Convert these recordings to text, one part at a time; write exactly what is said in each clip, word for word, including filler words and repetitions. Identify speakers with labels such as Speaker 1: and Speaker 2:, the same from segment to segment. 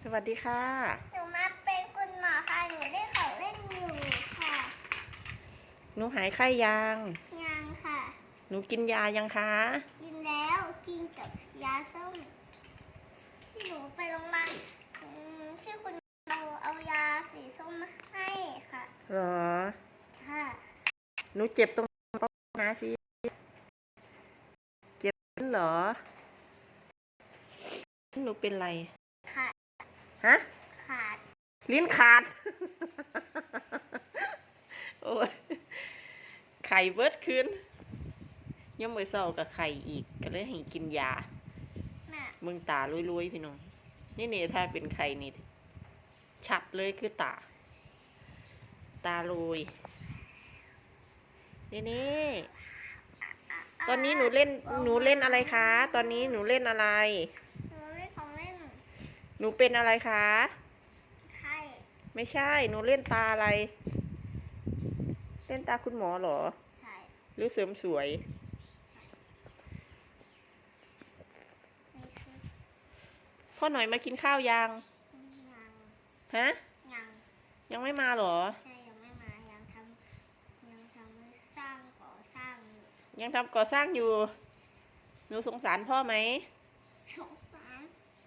Speaker 1: สวัสดีค่ะ
Speaker 2: หนูมาเป็นคุณหมอค่ะ หนูได้ของเล่นอยู่ค่ะ
Speaker 1: หนูหายไข้ยัง
Speaker 2: ยังค่ะ
Speaker 1: หนูกินยายังคะ
Speaker 2: กินแล้วกินกับยาส้มที่หนูไปโรงพยาบาลที่คุณเราเอายาสีส้มมาให้ค่ะ
Speaker 1: เหรอ
Speaker 2: ค่ะ
Speaker 1: หนูเจ็บตรงนะสิเจ็บเหรอหนูเป็นไร
Speaker 2: ขาด
Speaker 1: ฮะ
Speaker 2: ขาด
Speaker 1: ลิ้นขาด โอ้ยไข่เบิดคืนยังไม่เศร้ากับไข่อีกก็เลยให้กินยามึงตาลุยๆพี่น้องนี่นี่ถ้าเป็นไข่นี่ชัดเลยคือตาตาลุยนี่นี่ตอนนี้หนูเล่นหนูเล่นอะไรคะตอนนี้หนูเล่นอะไร
Speaker 2: หนูเล่นของเล่น
Speaker 1: หนูเป็นอะไรคะ
Speaker 2: ไข่
Speaker 1: ไม่ใช่หนูเล่นตาอะไรเล่นตาคุณหมอเหรอ
Speaker 2: ใช่
Speaker 1: หรือเสริมสวยพ่อหน่อยมากินข้าวยัง
Speaker 2: ยัง
Speaker 1: ฮะ
Speaker 2: ยัง
Speaker 1: ยังไม่มาเหรอ
Speaker 2: ใช่ยังไม่มายังทำยังทำสร้างก่อสร้างอยู่
Speaker 1: ยังทำก่อสร้างอยู่หนูสงสารพ่อไหม
Speaker 2: สงสาร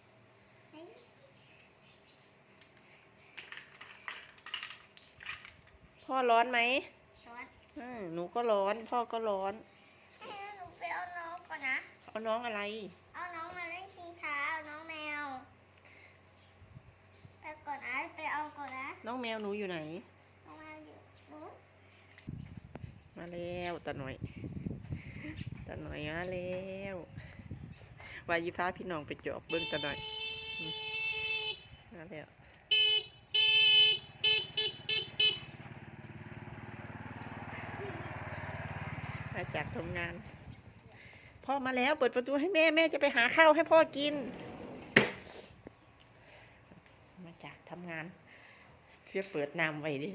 Speaker 1: พ่อร้อนไหม
Speaker 2: ร้อน
Speaker 1: อืมหนูก็ร้อนพ่อก็ร้อน
Speaker 2: หนูไปเอาน้องก่อนนะ
Speaker 1: เอาน้องอะไร
Speaker 2: เอาน้องมาเล่นชิงช้าเอาน้องแมวไปก่อนนะไปเอาก่อนนะ
Speaker 1: น้องแมวหนูอยู่ไหน
Speaker 2: น้องแมวอยู่หนู
Speaker 1: มาแล้วตาหน่อยตาหน่อยมาแล้ววายิฟ้าพี่น้องไปจอบเบิ้งตาหน่อยมาแล้วมาจากทำงานพ่อมาแล้วเปิดประตูให้แม่แม่จะไปหาข้าวให้พ่อกินมาจากทำงานเพื่อเปิดน้ำไว้ดิ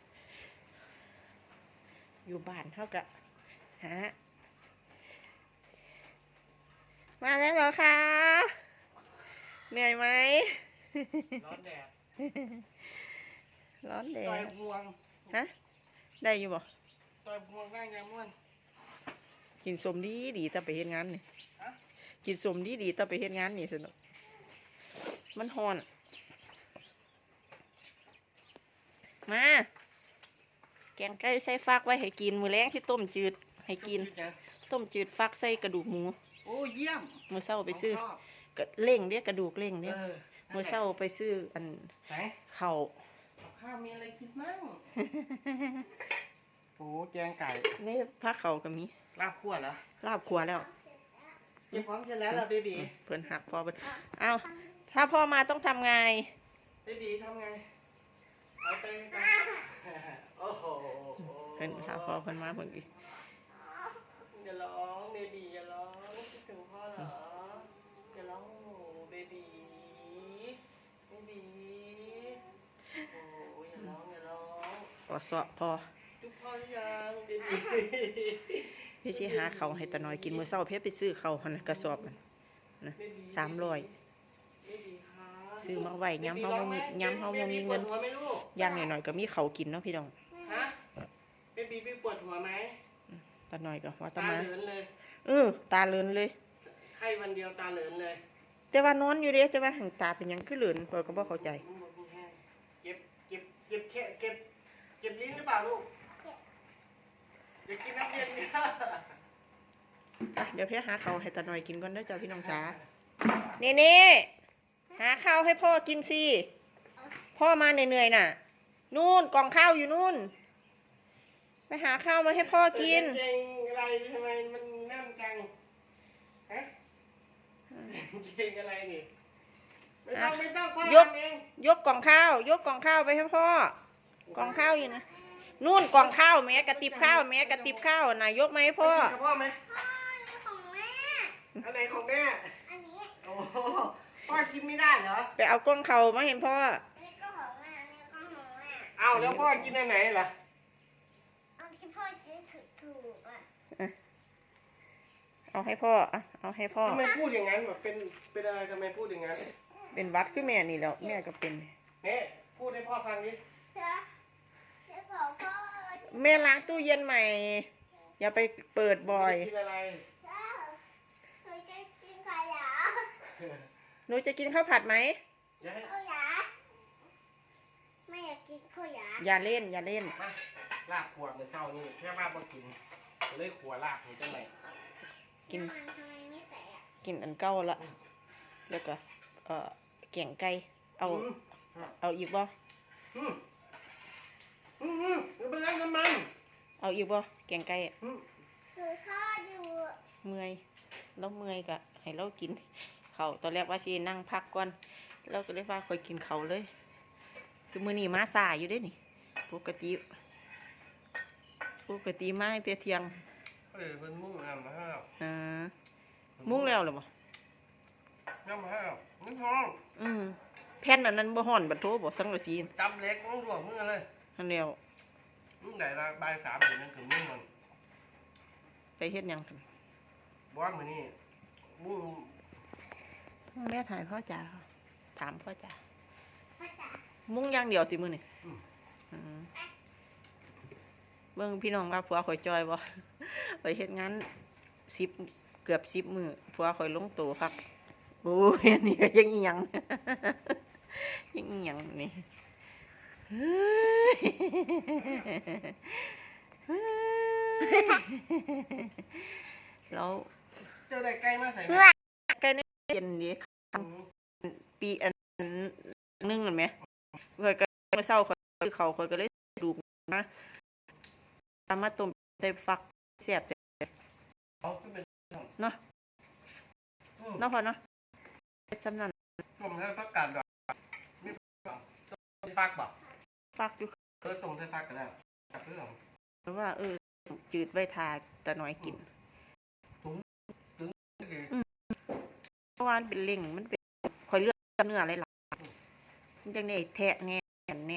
Speaker 1: อยู่บ้านเท่ากับฮะมาแล้วเหรอคะเหนื่อยไหม
Speaker 3: ร้อนแดด
Speaker 1: ร้อนแดด
Speaker 3: ต่อยพวง
Speaker 1: ฮะได้อยู่บ่
Speaker 3: ต่อยพวงได้ยังม่วน
Speaker 1: กินสมดีดีแต่ไปเฮ็ดงานนี่กินสมดีดีแต่ไปเฮ็ดงานนี่สนุกมันฮ้อนมาแกงไก่ใส่ฟักไว้ให้กินมื้อแรงที่ต้มจืดให้กินต้มจืดฟักใส่กระดูกหมู
Speaker 3: โอ้เยี่ยม
Speaker 1: มื้อเช้าไปซื้อก็เล่งเด้กระดูกเล่งเด้มื้อเช้าไปซื้ออันข้าว
Speaker 3: ข้าวมีอะไรกินมั่งโอ้แกงไก่
Speaker 1: นี่ผักเขาก็มี
Speaker 3: ลาบคั่วเหรอ
Speaker 1: ลาบขัวแล้ว
Speaker 3: เก็บพร้อมเสร็จแล้วเหรอเบบี
Speaker 1: เพิ่นหักพ่อเพิ่นเอาถ้าพ่อมาต้องทำไง
Speaker 3: เบบีทำไงไปไปโอ้โห
Speaker 1: เพิ่นถ้าพ่อเพิ่นมาเพิ่นอีก
Speaker 3: อย่าร้องเบบีอย่าร้องคิดถึงพ่อเหรออย่าร้องเบบีเบบีโอ้อย่าร้องอย่าร้อง
Speaker 1: กอดเสาะพ่อ
Speaker 3: จุ๊บพ่อหรือยังเบบี
Speaker 1: พี่สิหาข้าวให้ตาน้อยกินมื้อเช้าเพิ่นไปซื้อข้าวหั่นกระสอบนั่นนะสามร้อยซื้อมาไว้ยามเฮาบ่มียามเฮาบ่มีเงินอย่างน้อยๆก็มีข้าวกินเนาะพี่น้อง
Speaker 3: ฮะเบบีปวดหัวไหม
Speaker 1: ตาน้อยก็ว่าตา
Speaker 3: มา
Speaker 1: มา
Speaker 3: เหลือนเลย
Speaker 1: เออตาเหลือนเลย
Speaker 3: ไข้วันเดียวตาเหลือนเลย
Speaker 1: แต่ว่านอนอยู่เด้แต่ว่าหังตาเป็นหยังคือเหลือนเพิ่นก็บ่เข้าใจ
Speaker 3: เก็บเก็บเก็บแค่เก็บเก็บลิ้นหรือเปล่าลูกเดี๋ยวกินน้ำเย็นเนี่ย
Speaker 1: เดี๋ยวเพี่หาข้าวให้ตาน้อยกินก่อนเด้อจ้าพี่น้องจ๋านี่นี่หาข้าวให้พ่อกินสิพ่อมาเหนื่อยๆน่ะนู่นกล่องข้าวอยู่นู่นไปหาข้าวมาให้พ่อกิน
Speaker 3: เก่งอะไรทำไมมันแน่นจังฮะเก่งอะไรนี่ไม่ต้องไม่ต้องพ่อยก
Speaker 1: ยกกล่องข้าวยกกล่องข้าวไปให้พ่อกล่องข้าวอยู่นะนู่นกล่องข้าวแม่กระติบข้าวแม่กระติบข้าวน่ะยกไหมพ่อ
Speaker 3: พ่อไหม
Speaker 2: พ่อของแม่
Speaker 3: อันไหนของแม่
Speaker 2: อันนี้
Speaker 3: โอ้พ่อกินไม่ได้เหรอ
Speaker 1: ไปเอากล่องข้าวมาเห็นพ่อ
Speaker 2: นี่ก็ของแม่นี่ก็ของแม่
Speaker 3: เอาแล้วพ่อกินอันไหนล่ะ
Speaker 2: เอาที่พ่อกินถูกถูกอ่ะ
Speaker 1: เอาให้พ่อเอาให้พ่อ
Speaker 3: ทำไมพูดอย่างนั้นแบบเป็นเป็นอะไรทำไมพูดอย่างนั้น
Speaker 1: เป็นหวัดคือแม่นี่แล้วแม่ก็เป็น
Speaker 3: เนี่ยพูดให้พ่อฟังดิ
Speaker 2: เดี๋ยวเดี๋ยวบอกพ่อ
Speaker 1: แม่ล้างตู้เย็นใหม่ อย่าไปเปิดบ่อย
Speaker 3: กินอะไร
Speaker 2: เจ้าหนูจะกินขยะ
Speaker 1: หนูจะกินข้าวผัดไหม
Speaker 3: อย่าให้
Speaker 2: ขยะไม่อยากกินขยะ
Speaker 1: อย่าเล่นอย่าเล่น
Speaker 3: มาลาบขวดในเช้านี่แค่ว่าบ่กินก็เลยขัวลาบนี่จังไหน
Speaker 1: กิน
Speaker 2: ำมันทำไมไม่ใส่อะ
Speaker 1: กินอันเก่าละแล้วก็เอ่อแกงไก่เอา
Speaker 3: อืม
Speaker 1: เอาอีกบ่
Speaker 3: อืมอืมอืมอย่าไปเล่นน้ำมัน
Speaker 1: เอาอีกบ่แกงไก่อะ
Speaker 3: อืม
Speaker 2: หนูทอดอยู่
Speaker 1: เมื่อยเราเมื่อยก็ให้เรากินเขาวตอนแรกว่าสินั่งพักก่อนเราก็เลยว่าค่อยกินเขาวเลยคือมื้อนี้มาสายอยู่เด้นี่ปกติปกติมาตั้งแต่เที่ยง
Speaker 3: เออเป็นมุ่งน้ำมาให้เรา
Speaker 1: อ่ามุ้งแล้วเหรอบ่
Speaker 3: น้ำมาให้เราไม่พอ
Speaker 1: อืมแผ่นอันนั้นบ่ฮ้อนบัดโทบ่สังกะสี
Speaker 3: จำเล็กต้องรวมมือเลย
Speaker 1: อันเดียว
Speaker 3: ลูกไหนละบ่ายสามถึงนั่นถึงมุ่งมัน
Speaker 1: ไปเฮ็ดหยังกัน
Speaker 3: บอกว่ามือนี่มุ่ง
Speaker 1: แม่ถ่ายพ่อจ๋าถามพ่อจ๋า
Speaker 2: พ่อจ๋า
Speaker 1: มุ้งอย่างเดียวติมื้อนี่อืมเบิ่งพี่น้องว่าผัวข่อยจอยบ่ ข่อยเฮ็ดงานสิบเกือบสิบมื้อผัวข่อยลงโตคักโอ้ยอันนี้ก็ยังอีหยัง ยังอีหยังนี่เฮ้ยเฮ้ยแล้ว
Speaker 3: เจอได้ใกล้มาใส่ไหม
Speaker 1: ใกล้ในเย็นดี
Speaker 3: อืม
Speaker 1: ปีอันนึงเห็นไหมข่อยก็มาเศร้าข่อยคือเขาข่อยก็เลยสูบนะตามมาต้มใส่ฟักแซ่บจ้ะ
Speaker 3: เอาขึ้นเป็น
Speaker 1: เนาะ
Speaker 3: อืม
Speaker 1: เนาะพอเนาะสำนัน
Speaker 3: ต้มใส่ผักกาดดอกมีผักต้มใส่ฟักบ่
Speaker 1: ฟักอยู่
Speaker 3: เออต้มใส่ฟักก็ได้กับเพื่อน
Speaker 1: เพราะว่าเออจืดไว้ทาตะน้อยกินเพราะว่ามันเป็นเล่งมันเป็นข่อยเลือกเนื้ออะไรหล่ะมันจังได้แทะแน่แน่แน่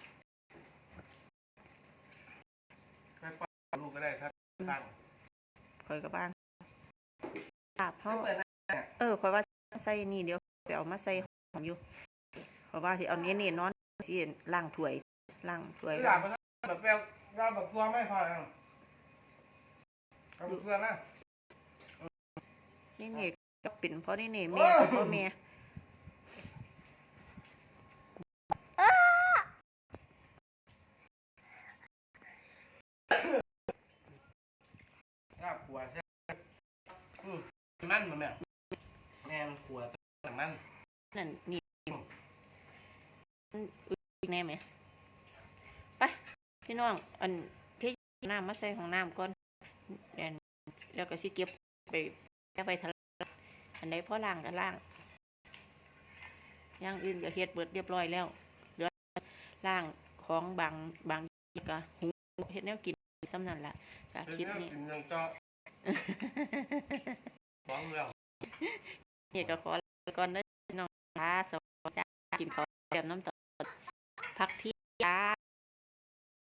Speaker 3: ไปปล่อยลูกก็ได้ครับฟัง
Speaker 1: ข่อยกับบ้างลาบเฮา
Speaker 3: เปิดนะ
Speaker 1: เออข่อยว่าใส่นี่เดี๋ยวไปเอามาใส่หอมอยู่ข่อยว่าที่เอาเนี้ยนี่นอนที่ล้างถ้วยล้างถ้วย
Speaker 3: ที่หลังมันแบบแปลวเราแบบตัวไม่พอแล้วเอาแบบตัวนะ
Speaker 1: นี่นี่ก็เป็นเพราะนี่นี่แม่กับพ่อแม่
Speaker 3: ลาบขวดใช่ไหมอืมมันมันเนี่ยแม่ขวดต่างมัน
Speaker 1: นั่นนี่มันอึดแน่ไหมไปพี่น้องอันพี่น้ำมาใส่ของน้ำก่อนเดี๋ยวแล้วก็สิเก็บไปแก้ไปทะเลอันใดพ่อล้างก็ล้างอย่างอื่นก็เฮ็ดเบิดเรียบร้อยแล้วเหลือล้างของบางบางก็หุงเฮ็ดแนวกินซ้ำนั่นล่ะก็คลิปนี้
Speaker 3: กินยังเจาะฟ้องเรา
Speaker 1: นี่ก็ขอลาก่อนเด้อพี่น้องจ้าสวัสดีจ้ากินข้าวแบบน้ำตกพักเที่ยงจ้า